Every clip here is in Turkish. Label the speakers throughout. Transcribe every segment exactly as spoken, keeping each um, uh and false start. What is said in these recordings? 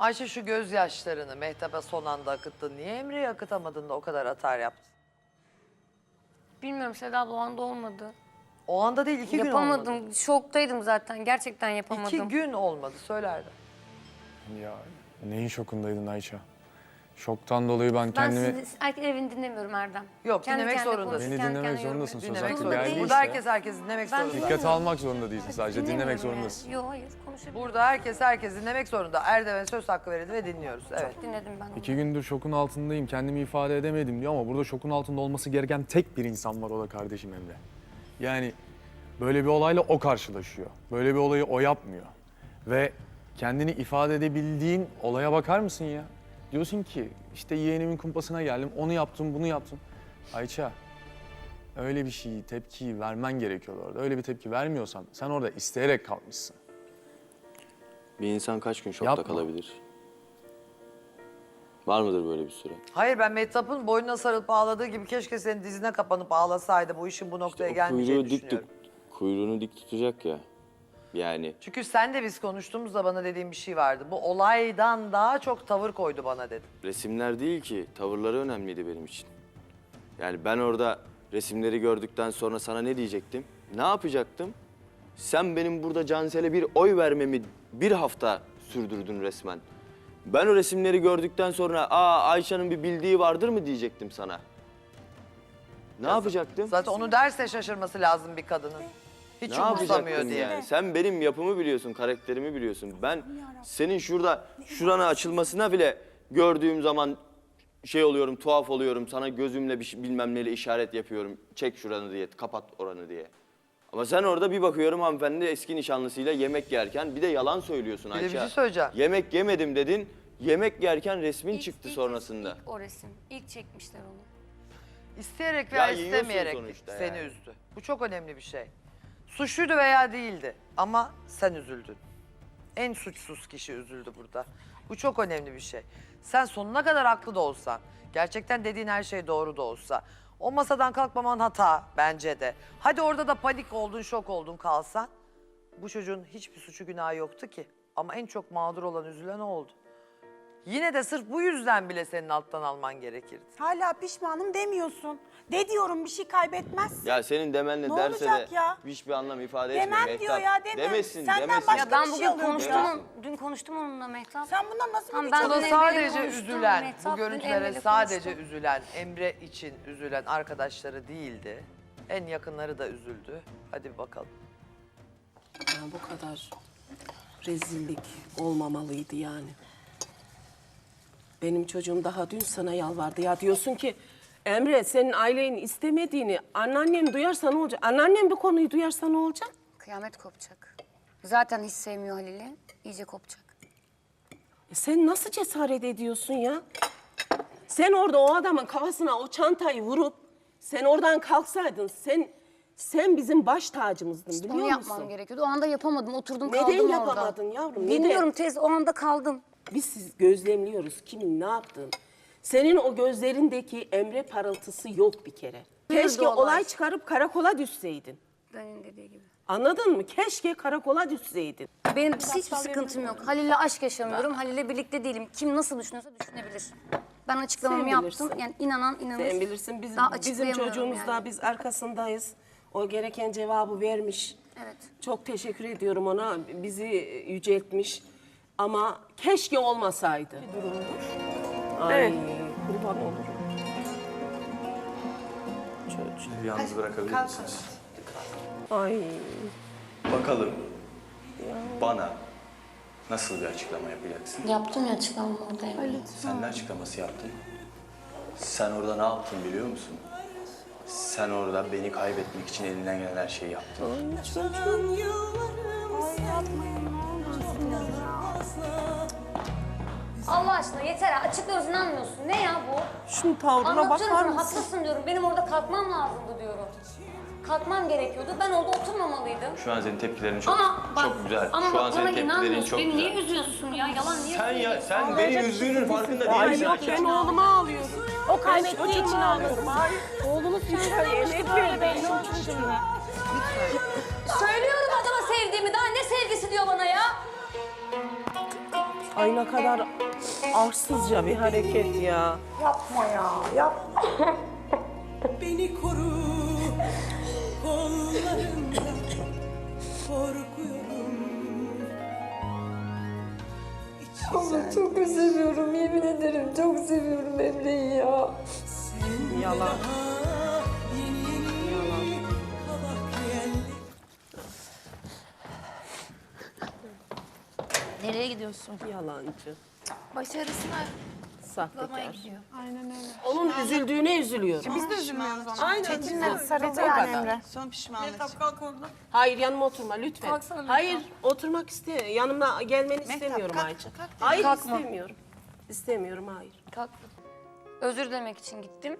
Speaker 1: Ayşe şu gözyaşlarını Mehtap'a son anda akıttın. Niye Emre'ye akıtamadın da o kadar atar yaptın?
Speaker 2: Bilmiyorum Seda abla o anda olmadı.
Speaker 1: O anda değil iki gün olmadı.
Speaker 2: Yapamadım. Şoktaydım zaten. Gerçekten yapamadım.
Speaker 1: İki gün olmadı söylerdim.
Speaker 3: Ya neyin şokundaydın Ayça? Şoktan dolayı ben
Speaker 2: Ben
Speaker 3: kendimi...
Speaker 2: sizi erkek evini dinlemiyorum Erdem.
Speaker 1: Yok, dinlemek
Speaker 2: kendine
Speaker 1: zorundasın.
Speaker 2: konuşur,
Speaker 3: Beni
Speaker 2: kendi
Speaker 3: dinlemek
Speaker 2: kendine
Speaker 3: zorundasın.
Speaker 2: yorum-
Speaker 3: Söz
Speaker 1: Dinlemek
Speaker 3: hakkı bir
Speaker 1: zorundasın.
Speaker 3: aile
Speaker 1: Burada
Speaker 3: ise
Speaker 1: herkes herkes dinlemek
Speaker 2: Ben-
Speaker 1: zorunda.
Speaker 3: dikkate almak zorunda değilsin sadece. Dinlemek
Speaker 2: Dinlemiyorum
Speaker 3: zorundasın.
Speaker 2: yani. Yok hayır konuşabilirim.
Speaker 1: Burada herkes herkes dinlemek zorunda. Erdem'e söz hakkı verildi ve dinliyoruz. Evet.
Speaker 2: Dinledim ben onu.
Speaker 3: İki gündür şokun altındayım. Kendimi ifade edemedim diyor ama burada şokun altında olması gereken tek bir insan var, o da kardeşim Emre. Yani böyle bir olayla o karşılaşıyor. Böyle bir olayı o yapmıyor. Ve kendini ifade edebildiğin olaya bakar mısın ya? Diyorsun ki işte yeğenimin kumpasına geldim, onu yaptım, bunu yaptım. Ayça, öyle bir şeyi, tepkiyi vermen gerekiyordu orada. Öyle bir tepki vermiyorsan sen orada isteyerek kalmışsın.
Speaker 4: Bir insan kaç gün şokta
Speaker 3: Yapma.
Speaker 4: kalabilir? Var mıdır böyle bir süre?
Speaker 1: Hayır, ben Mehtap'ın boynuna sarılıp ağladığı gibi keşke senin dizine kapanıp ağlasaydı. Bu işin bu noktaya
Speaker 4: O
Speaker 1: gelmeyeceğini
Speaker 4: kuyruğu dik
Speaker 1: düşünüyorum.
Speaker 4: tut, kuyruğunu dik tutacak ya. Yani
Speaker 1: Çünkü sen de biz konuştuğumuzda bana dediğin bir şey vardı. Bu olaydan daha çok tavır koydu bana dedin.
Speaker 4: resimler değil ki, tavırları önemliydi benim için. Yani ben orada resimleri gördükten sonra sana ne diyecektim? Ne yapacaktım? Sen benim burada Cansel'e bir oy vermemi bir hafta sürdürdün resmen. Ben o resimleri gördükten sonra aa Ayşe'nin bir bildiği vardır mı diyecektim sana. Ne yapacaktım?
Speaker 1: Zaten onu derse şaşırması lazım bir kadının. Hiç
Speaker 4: Ne
Speaker 1: umursamıyor
Speaker 4: yapacaktın
Speaker 1: diye.
Speaker 4: yani? Sen benim yapımı biliyorsun, karakterimi biliyorsun. Ben senin şurada şurana açılmasına bile gördüğüm zaman şey oluyorum, tuhaf oluyorum. Sana gözümle bir şey, bilmem neyle işaret yapıyorum. Çek şuranı diye, kapat oranı diye. Ama sen orada bir bakıyorum hanımefendi eski nişanlısıyla yemek yerken bir de yalan söylüyorsun
Speaker 1: Bir de
Speaker 4: Ayça.
Speaker 1: bir şey söyleyeceğim.
Speaker 4: Yemek yemedim dedin. Yemek yerken resmin
Speaker 2: İlk-
Speaker 4: çıktı
Speaker 2: ilk-
Speaker 4: sonrasında.
Speaker 2: ilk o resim. İlk çekmişler onu.
Speaker 1: İsteyerek
Speaker 4: Ya
Speaker 1: veya
Speaker 4: yiyorsun
Speaker 1: istemeyerek
Speaker 4: sonuçta
Speaker 1: seni
Speaker 4: yani.
Speaker 1: üzdü. Bu çok önemli bir şey. Suçluydu veya değildi ama sen üzüldün. En suçsuz kişi üzüldü burada. Bu çok önemli bir şey. Sen sonuna kadar haklı da olsan, gerçekten dediğin her şey doğru da olsa, o masadan kalkmaman hata bence de. Hadi orada da panik oldun, şok oldun kalsan, bu çocuğun hiçbir suçu günahı yoktu ki. Ama en çok mağdur olan, üzülen o oldu. Yine de sırf bu yüzden bile senin alttan alman gerekirdi.
Speaker 5: Hala pişmanım demiyorsun. De diyorum bir şey kaybetmezsin.
Speaker 4: Ya senin demenle
Speaker 5: Ne
Speaker 4: derse
Speaker 5: olacak
Speaker 4: de
Speaker 5: ya?
Speaker 4: hiçbir anlam ifade
Speaker 5: Demem
Speaker 4: etmiyor.
Speaker 5: diyor ya, demem.
Speaker 4: Demesin,
Speaker 5: Senden
Speaker 4: demesin.
Speaker 5: başka
Speaker 2: Ya ben
Speaker 5: bir şey
Speaker 2: bugün
Speaker 5: alıyorum
Speaker 2: konuştum,
Speaker 5: ya.
Speaker 2: on- dün konuştum onunla Mehtap.
Speaker 5: Sen bundan nasıl
Speaker 2: Tamam,
Speaker 5: bir
Speaker 2: ben
Speaker 1: Burada
Speaker 2: Emre'yle
Speaker 1: sadece
Speaker 2: konuştum,
Speaker 1: üzülen,
Speaker 2: Mehtap
Speaker 1: bu
Speaker 2: dün
Speaker 1: görüntülere
Speaker 2: Emre'yle
Speaker 1: sadece
Speaker 2: konuştu.
Speaker 1: üzülen, Emre için üzülen arkadaşları değildi. En yakınları da üzüldü. Hadi bir bakalım.
Speaker 6: Ya bu kadar rezillik olmamalıydı yani. Benim çocuğum daha dün sana yalvardı ya, diyorsun ki Emre senin ailenin istemediğini anneannem duyarsa ne olacak? Anneannem bu konuyu duyarsa ne olacak?
Speaker 2: Kıyamet kopacak. Zaten hiç sevmiyor Halil'i. İyice kopacak.
Speaker 6: E sen nasıl cesaret ediyorsun ya? Sen orada o adamın kafasına o çantayı vurup sen oradan kalksaydın, sen sen bizim baş tacımızdın, biliyor
Speaker 2: Onu
Speaker 6: musun?
Speaker 2: yapmam gerekiyordu. O anda yapamadım. Oturdum
Speaker 6: Neden
Speaker 2: kaldım orada.
Speaker 6: yapamadın yavrum? Neden?
Speaker 2: Bilmiyorum teyze. O anda kaldım.
Speaker 6: Biz siz gözlemliyoruz kimin ne yaptığını. Senin o gözlerindeki Emre parıltısı yok bir kere.
Speaker 2: Nerede
Speaker 6: Keşke
Speaker 2: olay?
Speaker 6: olay çıkarıp karakola düşseydin.
Speaker 2: Dayının dediği gibi.
Speaker 6: Anladın mı? Keşke karakola düşseydin.
Speaker 2: Benim hiçbir sıkıntım yok. Halil'le aşk yaşamıyorum. Halil'le birlikte değilim. Kim nasıl düşünüyorsa düşünebilir. Ben açıklamamı
Speaker 6: Sen
Speaker 2: yaptım.
Speaker 6: bilirsin.
Speaker 2: Yani inanan inanır.
Speaker 6: Sen bilirsin biz,
Speaker 2: Daha
Speaker 6: bizim
Speaker 2: açıklayamıyorum
Speaker 6: çocuğumuz da
Speaker 2: yani.
Speaker 6: biz arkasındayız. O gereken cevabı vermiş.
Speaker 2: Evet.
Speaker 6: Çok teşekkür ediyorum ona. Bizi yüceltmiş. Ama keşke olmasaydı. Ay kurban olurum. Çocuğum.
Speaker 7: Yalnız bırakabilir misiniz?
Speaker 6: Ay.
Speaker 7: Bakalım bana nasıl bir açıklama yapacaksın?
Speaker 2: Yaptım ya açıklamamı orada.
Speaker 7: Sen ne açıklaması yaptın? Sen orada ne yaptın biliyor musun? Sen orada beni kaybetmek için elinden gelen her şeyi yaptın.
Speaker 2: Allah aşkına yeter ha. Açıklıyoruz inanmıyorsun. Ne ya bu?
Speaker 6: Şunun tavrına
Speaker 2: Anlatıyorum
Speaker 6: bakar
Speaker 2: sana
Speaker 6: mısın?
Speaker 2: haklısın diyorum. Benim orada kalkmam lazımdı diyorum. Kalkmam gerekiyordu. Ben orada oturmamalıydım.
Speaker 7: Şu an senin tepkilerin çok
Speaker 2: Ama bak,
Speaker 7: çok güzel.
Speaker 2: ama
Speaker 7: Şu an
Speaker 2: bak
Speaker 7: senin
Speaker 2: bana
Speaker 7: tepkilerin
Speaker 2: inanmıyorsun.
Speaker 7: çok
Speaker 2: Beni
Speaker 7: güzel.
Speaker 2: niye üzüyorsun ya? Yalan niye
Speaker 7: Sen ya
Speaker 2: üzüyorsun?
Speaker 7: sen beni üzdüğünün farkında
Speaker 6: Ay
Speaker 7: değilsin.
Speaker 6: yok ben oğluma ağlıyorum.
Speaker 5: O kaybettiği için ağlıyorum.
Speaker 6: Oğlunuz için ağlıyorum.
Speaker 2: Söylüyorum adama sevdiğimi. Daha ne sevgisi diyor bana ya?
Speaker 6: Ay ne kadar arsızca bir hareket ya.
Speaker 5: Yapma ya, yapma.
Speaker 8: Beni koru kollarında, korkuyorum.
Speaker 9: Ama çok seviyorum, yemin ederim çok seviyorum Emre'yi ya.
Speaker 6: Yalan.
Speaker 8: Yeni yeni kabak yerli.
Speaker 9: Nereye gidiyorsun?
Speaker 6: Yalancı.
Speaker 9: Başarısına
Speaker 6: Sahtekar.
Speaker 9: bakmaya gidiyor.
Speaker 6: Onun üzüldüğüne üzülüyorum.
Speaker 5: Biz de üzülmüyoruz ona.
Speaker 6: Aynen.
Speaker 5: Çetin'le sarıldı
Speaker 6: O
Speaker 5: yani
Speaker 6: kadar.
Speaker 5: Emre.
Speaker 8: Son pişmanlık.
Speaker 6: Hayır yanıma oturma lütfen.
Speaker 9: Kalksana Mehtap.
Speaker 6: Hayır oturmak iste. Yanıma gelmeni istemiyorum
Speaker 8: kalk,
Speaker 6: Ayça.
Speaker 8: kalk.
Speaker 6: Hayır
Speaker 2: Kalkma.
Speaker 6: istemiyorum. İstemiyorum hayır.
Speaker 2: Kalk. Özür dilemek için gittim.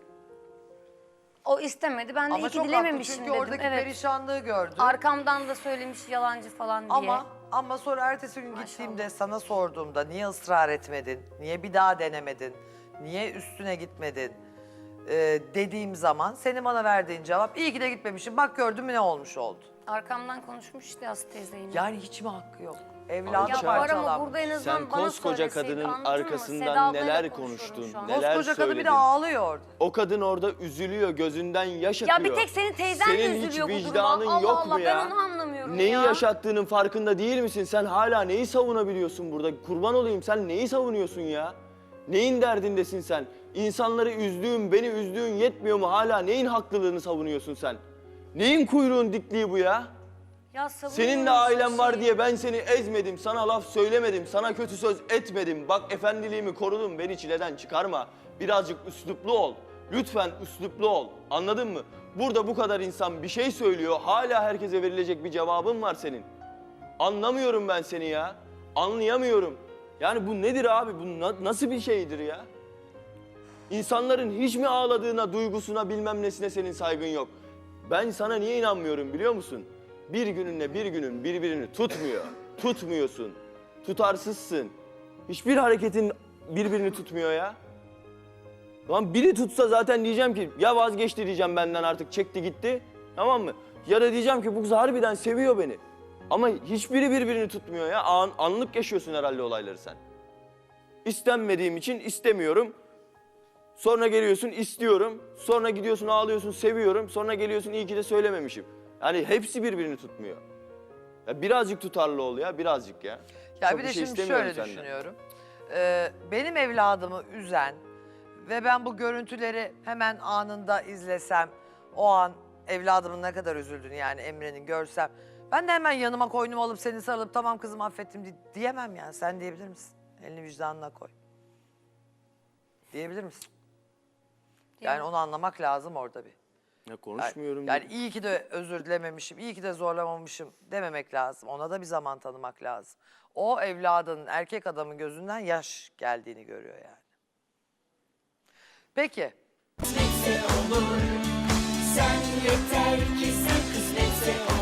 Speaker 2: O istemedi. Ben de
Speaker 1: Ama
Speaker 2: iyi ki
Speaker 1: çok haklı
Speaker 2: dilememişim
Speaker 1: çünkü
Speaker 2: dedim.
Speaker 1: oradaki
Speaker 2: Evet.
Speaker 1: perişanlığı gördü.
Speaker 2: Arkamdan da söylemiş yalancı falan diye.
Speaker 1: Ama ama sonra ertesi gün gittiğimde sana sorduğumda niye ısrar etmedin? Niye bir daha denemedin? Niye üstüne gitmedin? Ee, dediğim zaman senin bana verdiğin cevap iyi ki de gitmemişim. Bak gördün mü ne olmuş oldu.
Speaker 2: Arkamdan konuşmuş işte Aslı teyze yine.
Speaker 1: Yani hiç mi hakkı yok? Evladı
Speaker 2: Ya var ama
Speaker 1: parçalanmış.
Speaker 2: burada en azından
Speaker 4: Sen
Speaker 2: bana
Speaker 4: koskoca
Speaker 2: söyleseydi,
Speaker 4: kadının
Speaker 2: anladın mı?
Speaker 4: arkasından
Speaker 2: Seda ablayla
Speaker 4: neler
Speaker 2: konuşuyorum
Speaker 4: konuştun,
Speaker 2: şu an.
Speaker 4: neler
Speaker 1: Koskoca kadın bir de
Speaker 4: söyledin.
Speaker 1: ağlıyor orada.
Speaker 4: O kadın orada üzülüyor, gözünden yaş
Speaker 2: Ya
Speaker 4: akıyor.
Speaker 2: bir tek senin teyzen
Speaker 4: Senin
Speaker 2: de
Speaker 4: hiç
Speaker 2: üzülüyor bu duruma.
Speaker 4: vicdanın
Speaker 2: Allah
Speaker 4: yok
Speaker 2: Allah
Speaker 4: mu ya?
Speaker 2: ben onu anlamıyorum
Speaker 4: Neyi
Speaker 2: ya.
Speaker 4: yaşattığının farkında değil misin? Sen hala neyi savunabiliyorsun burada? Kurban olayım, sen neyi savunuyorsun ya? Neyin derdindesin sen? İnsanları üzdüğün, beni üzdüğün yetmiyor mu? Hala neyin haklılığını savunuyorsun sen? Neyin kuyruğun dikliği bu ya?
Speaker 2: Ya savunuyor
Speaker 4: Senin de
Speaker 2: musun
Speaker 4: ailen var
Speaker 2: şeyi?
Speaker 4: diye ben seni ezmedim, sana laf söylemedim, sana kötü söz etmedim. Bak efendiliğimi korudum, beni çileden çıkarma. Birazcık üsluplu ol. Lütfen üsluplu ol. Anladın mı? Burada bu kadar insan bir şey söylüyor, hala herkese verilecek bir cevabın var senin. Anlamıyorum ben seni ya. Anlayamıyorum. Yani bu nedir abi? Bu na- nasıl bir şeydir ya? İnsanların hiç mi ağladığına, duygusuna, bilmem nesine senin saygın yok? Ben sana niye inanmıyorum biliyor musun? Bir gününle bir günün birbirini tutmuyor. Tutmuyorsun. Tutarsızsın. Hiçbir hareketin birbirini tutmuyor ya. Lan biri tutsa zaten diyeceğim ki ya vazgeçti diyeceğim benden artık çekti gitti. Tamam mı? Ya da diyeceğim ki bu kız harbiden seviyor beni. Ama hiçbiri birbirini tutmuyor ya. An, anlık yaşıyorsun herhalde olayları sen. İstenmediğim için istemiyorum. Sonra geliyorsun istiyorum. Sonra gidiyorsun ağlıyorsun seviyorum. Sonra geliyorsun iyi ki de söylememişim. Yani hepsi birbirini tutmuyor. Ya birazcık tutarlı ol ya birazcık ya.
Speaker 1: Ya
Speaker 4: Çok
Speaker 1: bir de
Speaker 4: şey
Speaker 1: şimdi
Speaker 4: istemiyorum
Speaker 1: şöyle
Speaker 4: senden.
Speaker 1: düşünüyorum. Ee, benim evladımı üzen ve ben bu görüntüleri hemen anında izlesem, o an evladımın ne kadar üzüldüğünü yani Emre'nin görsem, ben de hemen yanıma koynumu alıp seni sarılıp tamam kızım affettim di- diyemem yani. Sen diyebilir misin? Elini vicdanına koy. Diyebilir misin? Yani onu anlamak lazım orada bir.
Speaker 4: Ya
Speaker 1: Yani,
Speaker 4: konuşmuyorum.
Speaker 1: yani
Speaker 4: dedim.
Speaker 1: iyi ki de özür dilememişim, iyi ki de zorlamamışım dememek lazım. Ona da bir zaman tanımak lazım. O evladının, erkek adamın gözünden yaş geldiğini görüyor yani. Peki.
Speaker 8: Sen yeter ki sen kısmetse olur.